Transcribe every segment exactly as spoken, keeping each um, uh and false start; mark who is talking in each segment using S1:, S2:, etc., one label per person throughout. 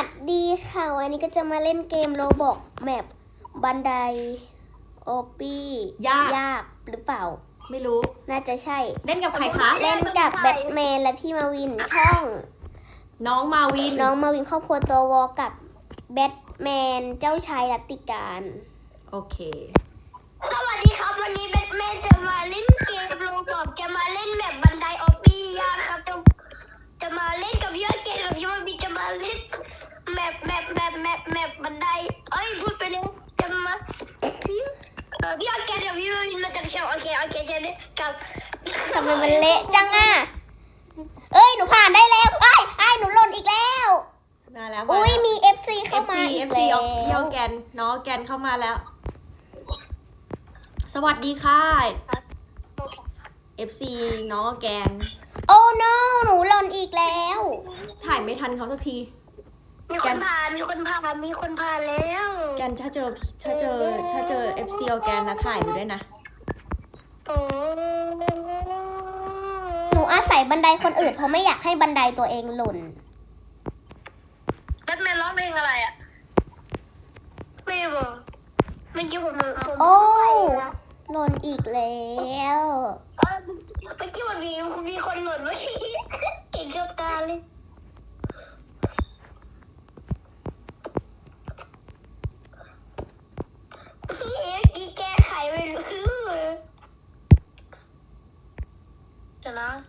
S1: ดีค่ะวันนี้ก็จะมาเล่นเกมโรบอกแมปบันไดโอปี้
S2: ยาก
S1: ยากหรือเปล่า
S2: ไม่รู้
S1: น่าจะใช่
S2: เล่นกับใครคะ
S1: เล่นกับแบทแมนและพี่มาวินช่อง
S2: น้องมาวิน
S1: น้องมาวินครอบครัวตัววอกับแบทแมนเจ้าชายรัตติการ
S2: โอเค
S3: สวัสดีครับวันนี้แบทแมนจะมาเล่นเกมโรบอกจะมาเล่นแบบบันไดออฟฟี่ยากครับจะจะมาเล่นกับพี่เกมกับพี่วันบีจะมาเล่นแมปแมปแมปแมปแมปบันไดเอ้ยพูดไปเลยจะมาพี่เออพี่เกมกับพี่วันบีมากับช่องโอเคโอเคจะได้กับ
S1: ทำไมมันเละจังอ่ะเอ้ยหนูผ่านได้แล้วไอ้ไอ้หนูหล่นอีกแล้ว
S2: มาแล้ว
S1: อุ้ยมี เอฟ ซี เข้ามา
S2: เอ
S1: อี
S2: ฟ
S1: ก
S2: ซี
S1: แล้
S2: เอฟซี
S1: ว
S2: แกนน้องแกนเข้ามาแล้ว สวัสดีค่ะ เอฟ ซี น้องแกน
S1: โอ้ no หนูหล่นอีกแล้ว
S2: ถ่ายไม่ทันเขาสักที
S3: มีคนผ่านมีคนผ่านมีคนผ่านแล้ว
S2: แกนถ้าเจอถ้าเจอถ้าเจอ เอฟ ซี แกนนะถ่ายไปด้วยนะ
S3: โอ้
S1: หนูอาศัยบันไดคนอื่นเพราะไม่อยากให้บันไดตัวเองหล่น
S3: แบทแมนร้องเพลงอะไรอ่ะไม่บอกเมื่อกี้ผมผม
S1: โอ้หล่นอีกแล้ว
S3: เออเมื่อกี้มันมีมีคนหล่นไว้เก่งจบตาเลยพี่เอ๋กีแก้ไขไม่รู้เดี๋ยวนะ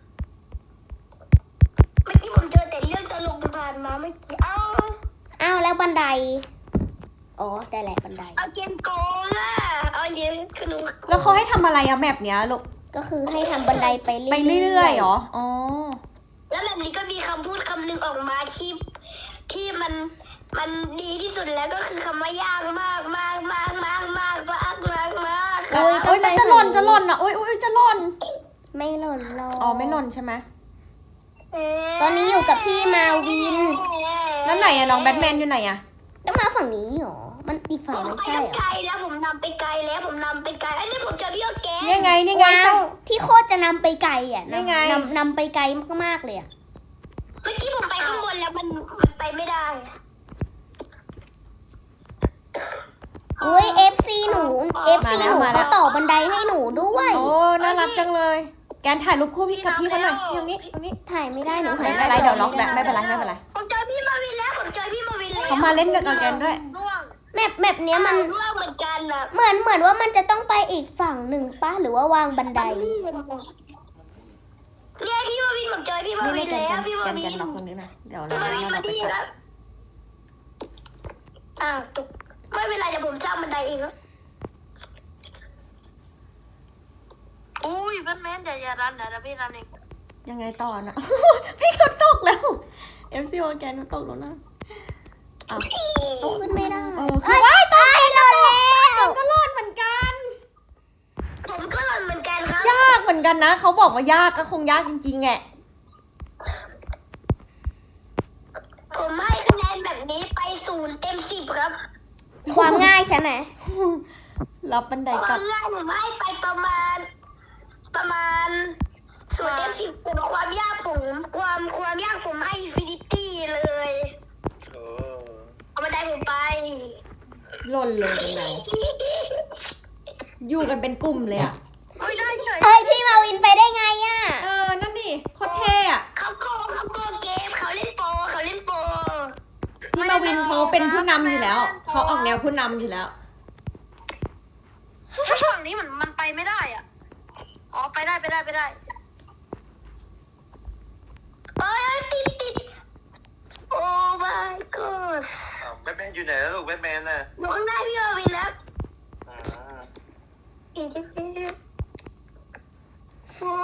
S3: เมื่อกี้ผมเจอแต่เรื่องตลกผ่านมาเมื่อกี้เอ้า
S1: อ้าวแล้วบันไดอ๋อได้แหละบันได
S3: เอาเกมโกงอ่ะเอาเยอะคือหนู
S2: แล้วเขาให้ทำอะไรอะแมปเนี้ยลูก
S1: ก็คือให้ทำบันไดไปเรื่อยๆ
S2: ไปเรื่อยๆเหรอ อ๋อ
S3: แล้วแบบนี้ก็มีคำพูดคำหนึ่งออกมาที่ที่มันมันดีที่สุดแล้วก็คือคำว่ายากมากมากมากมากมากมากมากมาก
S1: โอ้ย
S2: โอ๊ยมันจะหล่นจะหล่นอ่ะโอ๊ยโอ๊ยจะหล่น
S1: ไม่หล่นหรอก
S2: อ๋อไม่หล่นใช่ไหม
S1: ตอนนี้อยู่กับพี่มาวิน
S2: แล้วไหนอะน้องแบทแมนอยู่ไหนอะ
S1: แล้วมาฝั่งนี้เหรอมันอีกฝั่ง
S3: ผม
S1: ไม่
S3: ไป
S1: ใช่เหรอ
S3: ไกลแล้วผมนำไปไกลแล้วผมนำไปไกลไอ้นี่ผมเจอพี่โอแก
S2: นี่ไงนี่ไง
S1: ว้าวพี่โคตรจะนำไปไกลอ่ะ
S2: นี่ไง
S1: นำนำไปไกลมากๆเลยอ่ะ
S3: เมื่อกี้ผมไปข้างบนแล้วมันมันไปไม่ได้
S1: อุ้ย เอฟ ซี หนู เอฟ ซี หนูเขาต่อบันไดให้หนูด้วย
S2: โอ้น่ารักจังเลย แกนถ่ายรูปคู่พี่กับพี่เขาหน่อยตรงนี้ตรงนี้
S1: ถ่ายไม่ได้หนู
S2: ไม่
S1: หา
S2: เป็นไรเดี๋ยวล็อก
S1: ไม่
S2: แบบไม่เป็นไรไม่เป็นไร
S3: ผมเจอพี่มาวินแล้วผมเจอพี่มาวินแล้ว
S2: เขามาเล่นกับแกนด้วย
S3: ร่วง
S1: แมปแมปเนี้ยมัน
S3: ร่วงเหมือนกันอะ
S1: เหมือนเหมือนว่ามันจะต้องไปอีกฝั่งหนึ่งป้าหรือว่าวางบันได
S3: เนี่ยพี่มาวินผมเจอพี่มา
S2: นี่
S3: วิ
S2: นี่
S3: น
S2: แกน
S3: แล้วพี่มา
S2: แกน
S3: วิ
S2: แก
S3: น
S2: นล็อกตรงนี้นะเดี๋ยวเรา
S3: พี่มาวิน
S2: เรา
S3: มา
S2: ไป
S3: ดี
S2: จับ
S3: แล้วอ้าวตกไม่เป็นไรเดี๋ยวผมสร้างบันไดเองแล้วอุ้ยแบทแมนอย่าอย่ารันนะเดี๋ยวพี่รันเอง
S2: ยังไงต่อนะ พี่เขาตกแล้ว เอฟ ซี แกนเขาตกแล้วนะอ้าว
S1: เอาขึ้นไม่ได้
S2: เออคื
S1: เอ้
S2: อย ว้ายตาย
S1: หล่นแล้ว
S2: ก็รอดเหมือนกัน
S3: ผมก็รันเหมือนกันครับ
S2: ยากเหมือนกันนะเขาบอกว่ายากก็คงยากจริงๆแหละ
S3: ผมให้คะแนนแบบนี้ไปศูนย์เต็มสิบครับ
S1: ความง่ายฉันนะ
S2: รับบันได
S3: ค
S2: กลั
S3: วา
S2: บ
S3: มง่ายผมให้ไปประมาณ ประมาณศูนย์เต็มสิบแต่ความยากผมความความยากผมให้อินฟินิตี้เลยเอาบันไดผมไป
S2: หล่นเลยยังไงอยู่กันเป็นกลุ่มเลยอ่ะ
S3: ไม่ได้เลย
S1: เอ้ยพี่มาวินไปได้ไงอ่ะ
S2: เออ นั่นดิโคตรเท่อะ
S3: เขาโกงเขาโกงเกมเขาเล่นโปรเขาเล่นโปร
S2: พี่มาวินเขาเป็นผู้นำอยู่แล้ว เขาออกแนวผู้นำอยู่แล้ว
S3: ถ้าฝั่งนี้มันมันไปไม่ได้อ่ะอ๋อไปได้ไปได้ไปได้เอ้ยติดติดโอ้ my god
S4: แบทแมนอยู่ไหนแล้วลูกแบทแมนน่ะ
S3: อยู่ข้างหน้าพี่มาวินแล้ว
S4: อืม
S3: อีกทีโอ้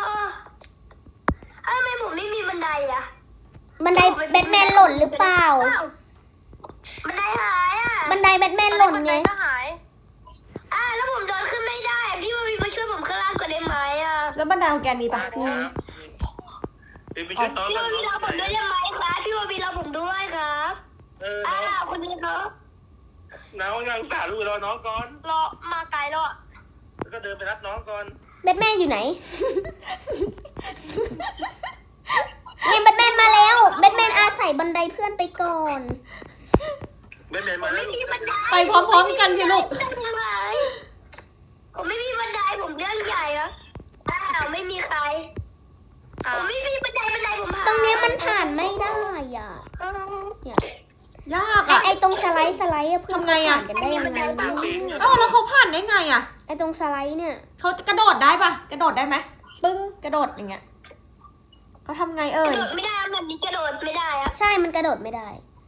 S3: ทำไมผมไม่มีบันไดอ่ะ
S1: บันไดแบทแมนหล่นหรือเปล่า
S3: อ้วบันไดหายอ่ะ
S1: บันไดแบทแมนหล่นไง
S3: ก็หายอ่ะแล้วผมเดินขึ้นไม่ได้พี่มาวินมาช่วยผมข้างล่างก่อนได้ไหมอ่ะ
S2: แล้วบันไดของแกมีปะมี
S4: พี่ไปช่วยน้อง
S3: พี่
S4: กั
S3: มาน วิน
S4: น้
S3: เรา
S4: อง
S3: ผมด้วยได้ไหมครับพี่มาวินเราผมด้วยครับ
S4: เออ
S3: อ้า
S4: น้อง
S3: วคนนี้เขา
S4: น้องยังสาลูกรอน้องก่อน
S3: รอมาไกลแล้วอ่ะ
S4: แล้วก็เดินไปรับน้องก่อน
S1: แบทแมนอยู่ไหนเนี่ยแบทแมนมาแล้วแบทแมนอาศัยบันไดเพื่อนไปก่อน
S4: แบทแมน
S3: ผม
S4: มาแล้
S3: ไม่
S4: ว
S3: มีบันได
S2: ไปพร้อมๆกันสิลูก
S3: ผมไม่มีบันไดผมเรื่องใหญ่อะอ้าวไม่มีใครผมไม่มีบันไดบันไดผมหา
S1: ตรงเนี้ยมันผ่านไม่ได้อ่ะ
S3: เออ
S1: เนี่ย
S2: ยาก
S1: ไอ
S2: อ่ะ
S1: ไอตรงสไลด์สไลด์อะเพื่อน
S2: ทำไง
S1: เขา
S2: อะ
S1: ผ่านกันได้ยังไงเนี่ย
S2: เอ้าแล้วเขาผ่านได้ไงอ่ะ
S1: ไอตรงสไลด์เนี่ย
S2: เขากระโดดได้ปะกระโดดได้ไหมปึ้งกระโดดอย่างเงี้ยเขาทำไงเอ่
S3: กระ
S2: ย
S3: โดดไม่ได้แบบนี้กระโดดไม่ได้อะ
S1: ใช่มันกระโดดไม่ได้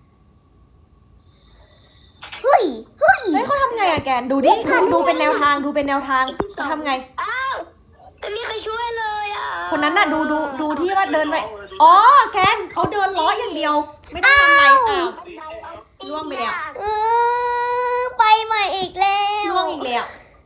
S1: เฮ้ยเฮ้ย
S2: เฮ้ยเขาทำไงอะแกนดูดิดูดูเป็นแนวทางดูเป็นแนวทางเขาทำไง
S3: อ้าวไม่มีใครช่วยเลยอ่ะ
S2: คนนั้นน่ะดูดูดูที่ว่าเดินไปอ๋อแกนเขาเดินล้ออย่างเดียว ไม่ต้องทำอะไรอ้าว ล่วงไปแล้ว
S1: เออไปใหม่อีกแล้ว
S2: ล่วงอีกแล้ว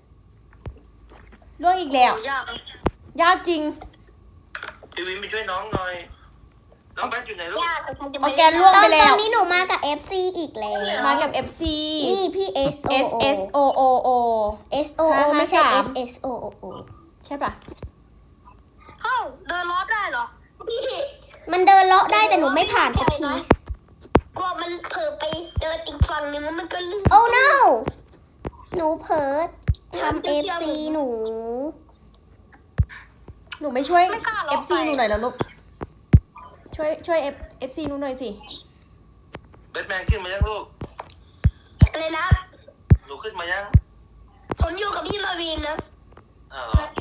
S2: ล่วงอีกแล้ว
S3: ยาก
S2: ยากจริง
S4: พี่วินไปช่วยน้องหน่อย น้องแบทอยู่ไหนลูก
S3: ยากแต่ฉันจะ
S2: เอา
S3: ไม่
S2: แกนล่วง
S1: ตอ
S2: ไป
S1: นต
S2: แล้
S1: อน
S2: ว
S1: นี้หนูมากับ เอฟ ซี อีกแล้ว
S2: มากับ เอฟ ซี
S1: นี่พี่ S O
S2: S
S1: O
S2: S O O O
S1: S O O ไม่ใช่
S2: ห้า
S1: S
S2: ห้า
S1: S O O O
S2: ใช่ปะ
S3: เอ้าเดินรอบได้เหรอพี่
S1: มันเดินเลาะได้แต่หนูไม่ผ่านสักที
S3: กลัวมันเผลอไปเดินอีกฝั่งนึงแล้วมันก็ลื่น
S1: โอ้ no หนูเผลอทำ เอฟ ซี หนู
S2: หนูไม่ช่วย
S3: ไม่กล้าหรอก
S2: เอฟ ซี หนูหน่อยแล้วลูกช่วยช่วย F เอฟ ซี หนูหน่อยสิ
S4: แบทแมนขึ้นมายังลูก
S3: เลยนะ
S4: หนูขึ้นมายัง
S3: ผมอยู่กับพี่มาวินนะ
S4: อ้าว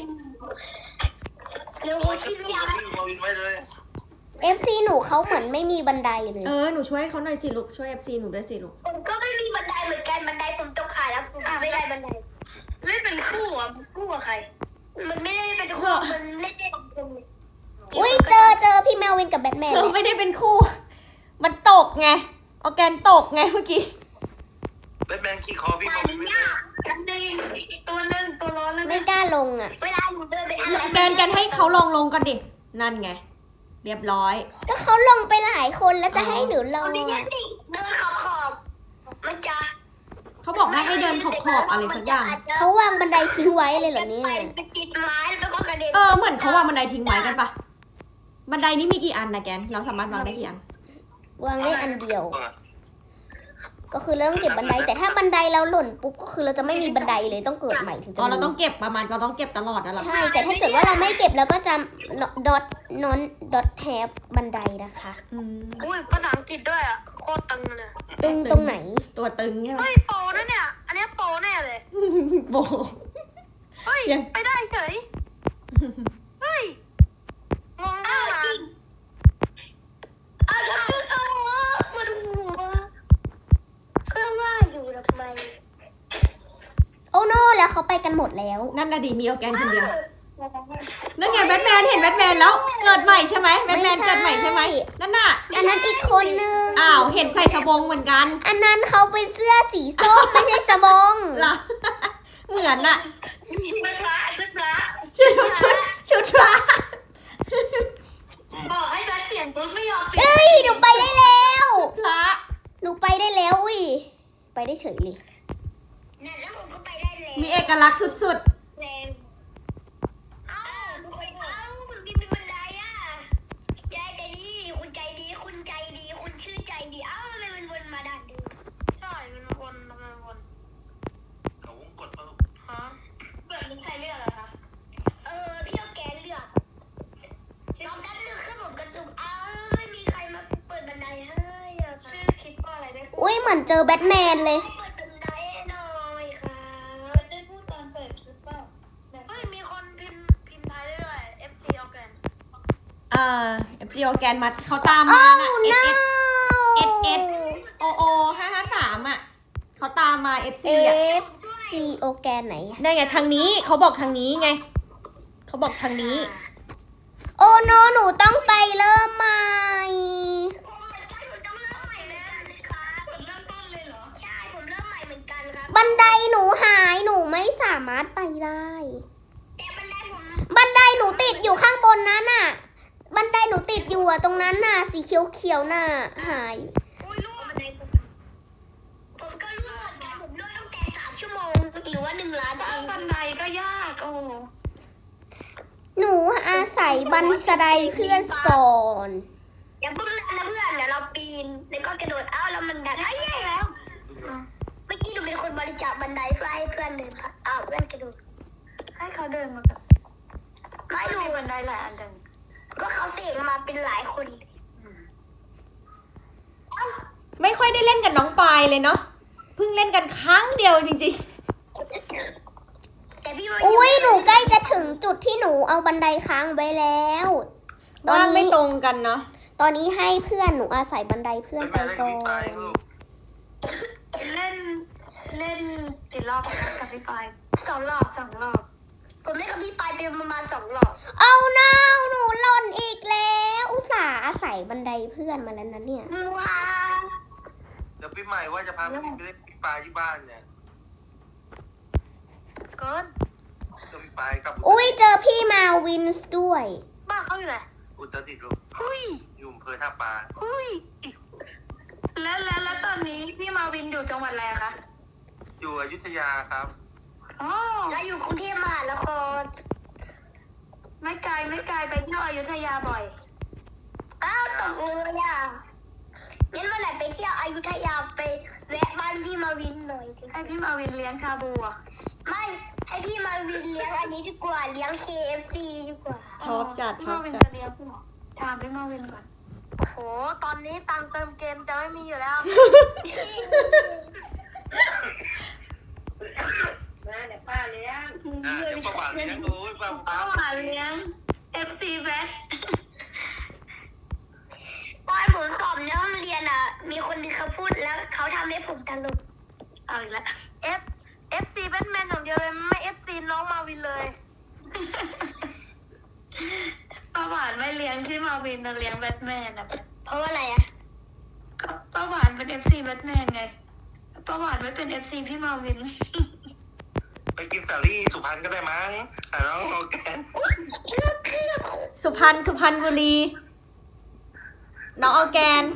S3: เดี๋ยวผ
S4: โอ้
S3: ม
S4: ย
S3: กินยา
S4: พี่มาวินไว้เลย
S1: เอฟ ซี หนูเขาเหมือนไม่มีบันไดเลย
S2: เออหนูช่วยเขาหน่อยสิลูกช่วย เอฟ ซี หนูด้วยสิลูก
S3: ผมก็ไม่มีบันไดเหมือนกันบันไดผมตกหายแล้วผมไม่ได้บันไดเล่นเป็นคู่อ่ะคู่กับใคร มันไม่ได้เป็นคู่มันเล่นได้กับคน
S1: อุ้ยเจอเจอพี่แมววินกับแบทแมน
S2: เราไม่ได้เป็นคู่ มันตกไงออร์แกนตกไงเมื่อกี้
S4: แบทแมนขี่คอพี่
S3: มั
S4: มาวิ
S3: น
S4: นไว้เลย
S3: ยากอันหนึงตัวหนึงตัวร้อนแล้ว
S1: ไม่กล้าลงอ่ะ
S3: เวลาหนูเดินไปอัน
S2: แกนแกนให้เขาลองลงก่อนดิ นั่นไง เรียบร้อย
S1: ก็เขาลงไปหลายคนแล้วจะให้หนูล
S3: ต
S1: ง
S3: อนนี้
S1: อะ
S3: นี่เดินขอบขอบมันจะ
S2: เขาบอกให้ให้เดินขอบขอบอะไรสักอย่าง
S1: เขาวางบันไดทิ้งไว้เลยเหรอเนี่ย
S3: ไปติดไม้แล้วก็กระเด็น
S2: เออเหมือนเขาวางบันไดทิ้งไว้กันปะบันไดนี้มีกี่อันนะแกน เราสามารถวางได้กี่อัน
S1: วางได้อันเดียว ก็คือเริ่มเก็บบันได แต่ถ้าบันไดเราหล่นปุ๊บก็คือเราจะไม่มีบันไดเลยต้องเกิดใหม่ถึงจะ
S2: อ๋อเราต้อ
S1: มี
S2: งเก็บประมาณเราต้องเก็บตลอดนะหรอ
S1: ใช่ แต่ถ้าเกิดว่าเราไม่เก็บเราก็จะ dot non dot have บันไดนะคะ
S2: อืม
S3: อุ้ยภาษาอังกฤษด้วยอ่ะโคตรตึงเลย
S1: ตึงตรงไหน
S2: ตัวตึงใช่ไหม
S3: เฮ้ยโปรนะเนี่ย อันเนี้ยโปรแน่เลย
S2: โบ
S3: เฮ้ย
S2: ยัง
S3: ไปได้เฉย เฮ้ย งงมากนะอ้าวแล้วคือเอาวะมันหัวก็ว่าอยู่ทำไม
S1: โอ้โนแล้วเขาไปกันหมดแล้ว
S2: นั่นน่ะดีมีออร์แกนคนเดียว นั่นไงแบทแมนเห็นแบทแมนแล้ว เกิดใหม่ใช่ไหมแบทแมน
S1: ไม่ใช่
S2: เกิดใหม่ใช่ไหมนั่นน่ะ
S1: อันนั้นอีกคนนึง
S2: อ้าวเห็นใส่สบงเหมือนกัน
S1: อันนั้นเขาเป็นเสื้อสีส้ม ไม่ใช่สบง
S2: เหรอ เหมือนน่ะ
S3: ชุดพระชุดพระ
S2: ชุดชุดชุดพระ
S3: บอกให้แบทเปลี่ยนชุดไม่ยอมเปลี่ยน
S1: เอ้ย หนูไปได้แล้ว
S2: พระ
S1: หนูไปได้แล้วอุ้ย ไปได้เฉยเลย
S3: นั่นแล้วผมก็ไปได้เลย
S2: มีเอกลักษณ์สุด
S3: แรงเอ้าเอ้าคุณมีบันไดอ่ะยายใจดีคุณใจดี คุณใจดี คุณชื่อใจดี เอ้าทำไมมันวนมาด่านเดิมใช่ มันวนทำไมวน
S4: เขาวงกดมาลูก
S3: ฮะเปิดมีใครเลือกเหรอคะ เออ พี่เอาแกนเลือกน้องดันเลือกขึ้นผมกระจุกเอ้าไม่มีใครมาเปิดบันไดให้อ่ะชื่อคิดว่าอะไรได้พูด
S1: อุ้ยเหมือนเจอแบทแมนเลย
S3: เปิดบันไดให้หน่อยค่ะได้พูดตอนเปิดคลิปเปล่าเฮ้ย มีคนพิมพ์พิมพ์ไทยได้ด้วย เอฟ ซี เอาแกน
S2: ๆ อ่าเอฟซีออร์แกนมาเขาตามมาน่ะ
S1: Oh
S2: เอ
S1: no
S2: สเอสเอสโอโอห้าห้าสามอ่ะเขาตามมาเอฟ
S1: เอ
S2: ซีอ่ะ
S1: ฟซีโอแกนไหน
S2: ได้ไงทางนี้เขาบอกทางนี้ไงเขาบอกทางนี้
S1: โอ้โนหนูต้องไปเริ่มใหม่
S3: ผมต้องเริ่มใหม่เหมือนกันครับผมเริ่มต้นเลยเหรอ ใช่ ผมเริ่มใหม่เหมือนกันครับ
S1: บันไดหนูหายหนูไม่สามารถไปได้
S3: แต่บันไดผม
S1: บันไดหนูติดอยู่ข้างบนนั้นน่ะ บันไดหนูติดอยู่อะตรงนั้นน่ะ สีเขียวเขียวๆน่ะ หาย
S3: อุ้ยรั่วบันไดผมผมก็รั่วเหมือนกันผมรั่วตั้งแต่สามชั่วโมงหรือว่าหนึ่งล้านปีบันไดก็ยากโอ้
S1: หนูอาศัยบันไดเพื่อนก่อน
S3: เอย่าเพิ่งนะเพื่อนเดี๋ยวเราปีนแล้วก็กระโดดเอ้าแล้วมันดันไอ้แย่แล้วเมื่อกี้หนูเป็นคนบริจาคบันไดเพื่อให้เพื่อนเดินผ่านอ้าวเพื่อนกระโดด
S5: ให้เขาเดินมากับ
S3: ไม่
S5: ไม่
S3: รู้
S5: มีบันไดหลายอันจัง
S3: ก็เขาเสกมาเป็นหลายคนเอ้า
S2: ไม่ค่อยได้เล่นกับน้องปายเลยเนาะเพิ่งเล่นกันครั้งเดียวจริง
S3: แต่พี่ว่า
S1: อุ้ยหนูใกล้จะถึงจุดที่หนูเอาบันไดค้างไว้แล้ว
S2: ๆ
S1: ตอน
S2: ว่างไม่
S1: นี้
S2: ตรงกันเนาะ
S1: ตอนนี้ให้เพื่อนหนูอาศัยบันไดเพื่อน
S4: เป็น
S1: ไป
S4: แม่เล่น
S1: ก่อ
S4: กับพี่ปาย
S1: น
S4: ลูก
S5: เล่นเล่นติดรอบกับพี่ปาย
S3: สองรอบ
S5: สองรอบ
S3: ผมเล่นกับพี่ปายเป็นประมาณสองรอบ
S1: เอาน้าหนูหล่นอีกแล้ว อุตส่าห์อาศัยบันไดเพื่อนมาแล้วนะเนี่ย
S3: ว้า
S4: เดี๋ยวพี่ใหม่ว่าจะพาพี่ไปเล่นพี่ปายที่บ้านเนี่ย
S5: เกิน
S4: เจอพี่ปายกับ
S1: อุ้ยเจอพี่มาวินส์ด้วย
S5: บ้านเขาอยู่ไหน
S4: อุตรดิตถ์ลูก
S5: หุย
S4: อยู่อำเภอท่าปลา
S5: หุยแล้วแล้วแล้วตอนนี้พี่มาวินอยู่จังหวัดอะไรคะ
S4: อยู่อยุธยาครับ
S5: อ๋อ
S3: แล้วอยู่กรุงเทพมหานคร
S5: ไม่ไกลไม่ไกลไปเที่ยวอยุธยาบ่อย
S3: อ้าวตกเลยอ่ะงั้นวันไหนไปเที่ยวอยุธยาไปแวะบ้านพี่มาวินหน่อยสิ
S5: ให้พี่มาวินเลี้ยงชาบูอ่ะ
S3: ไม่ให้พี่มาวินเลี้ยงอันนี้ดีกว่าเลี้ยง เค เอฟ ซี ดีกว่า
S2: ชอบจัด
S5: พี่
S2: ชอ
S5: มา
S2: บ
S5: วิน
S2: จัด
S5: จะเลี้ยงเหรอถามพี่มาวินก่อนโอ้โหตอนนี้ตังค์เติมเกมจะไม่มีอยู่แล้ว
S3: มาเดี๋ยวป้าเลี้ยง
S4: อ่าเดี๋ยวประวัติเลี้ยงดูป้า
S5: ป้าหวานเลี้ยง เอฟ ซี แบท
S3: ตอนผมสอบในห้องเรียนอ่ะ มีคนที่เขาพูดแล้วเขาทำให้ผมตลก
S5: เอาอีกแล้ว F FC แบทแมนอย่างเดียวเลยไม่ เอฟ ซี น้องมาวินเลย ป้าหวานไม่เลี้ยงที่มาวินนะเลี้ยงแบทแมนนะ
S3: เพราะว่าอะไรอ่ะ
S5: ก็ป้าหวานเป็น เอฟ ซี แบทแมนไงป้าหวานไม่เป็น เอฟ ซี พี่มาวิน
S4: ไปกินสาลี่สุพรรณก็ได้มั้งแต่น้องโอแกน
S2: สุพรรณสุพรรณบุรี น้องออร์แกน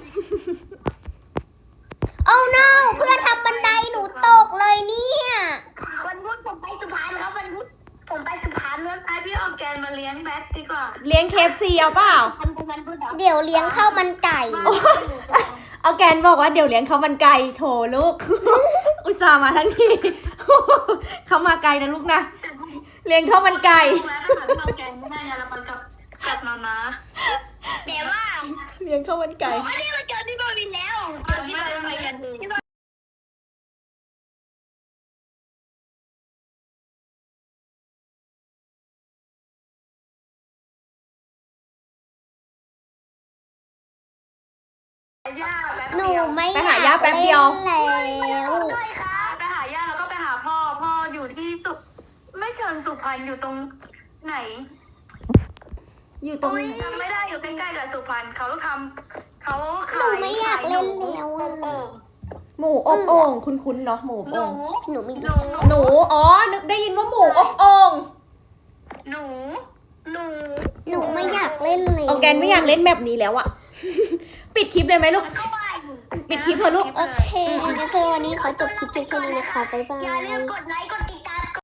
S1: เอา no เพื่อนทำบันไดหนูตกเลยเนี่ย
S3: วันพุธผมไปสุพรรณครับวันพุธผมไปสุพรรณแล้ว
S5: ให้พี่ออร์แกนมาเลี้ยงแบทดีกว่า
S2: เลี้ยงเคฟซีเอาเปล่า
S3: วันพุธวันพุธเหรอ
S1: เดี๋ยวเลี้ยงข้าวมันไก่
S2: ออร์แกนบอกว่าเดี๋ยวเลี้ยงข้าวมันไก่โถลูก อุตส่าห์มาทั้งที เขามาไกลนะลูกนะ เลี้ยงข้าวมันไก่
S5: แวะไปหาพี่ออร์แกนไม่ได้ไงเราไปกับกับมาม่า
S3: แต่ว่า
S2: เลี้ยงข้าวมันไก่
S3: อันนี้มันเจอที่บาวินแล้ว
S5: เดี๋ยวไม่ได้ไปกันดี ย่าแป๊บ
S1: หนู
S5: เดียว
S1: ไม่
S2: ไป
S1: อ
S2: หาย ย่า
S1: าก
S2: แป๊บเดี
S1: เล่
S2: ยว
S1: นแล้ว
S3: ด้วยครับ
S5: ไปหาย่าแล้วก็ไปหาพ่อ พ่ออยู่ที่สุไม่เชิญสุพรรณอยู่ตรงไหน
S2: อยู่ตรงไหน
S5: จำไม่ได้อยู่ใกล้ๆกับสุพรรณเขาทำเขา
S1: หนู
S5: ขาย
S1: ไม่อยากเล่นแล้ว
S5: โอ่
S1: อะ
S5: ง
S2: หมูอบโอ่งคุ้นๆเนาะหมูอบ
S5: หนู
S2: โอ่ง
S1: หนูไม่
S5: ห
S1: รู้
S5: นู
S2: หนู อ๋อ นึกได้ยินว่าหมูอบโอ่ง
S5: หนู
S3: หนู
S1: หนูไม่อยากเล่นเลย
S2: ออร์แกนไม่อยากเล่นแบบนี้แล้วอะ ปิดคลิปเลยไหมลูก
S3: ก็ว่าอยู่
S2: ปิดคลิปเถอะลูก
S1: โอเคงั้นเจอวันนี้ขอจบคลิปเพียงแค่นี้นะคะบ๊ายบา
S3: อย่าลื
S1: ย
S3: มกดไลค์กด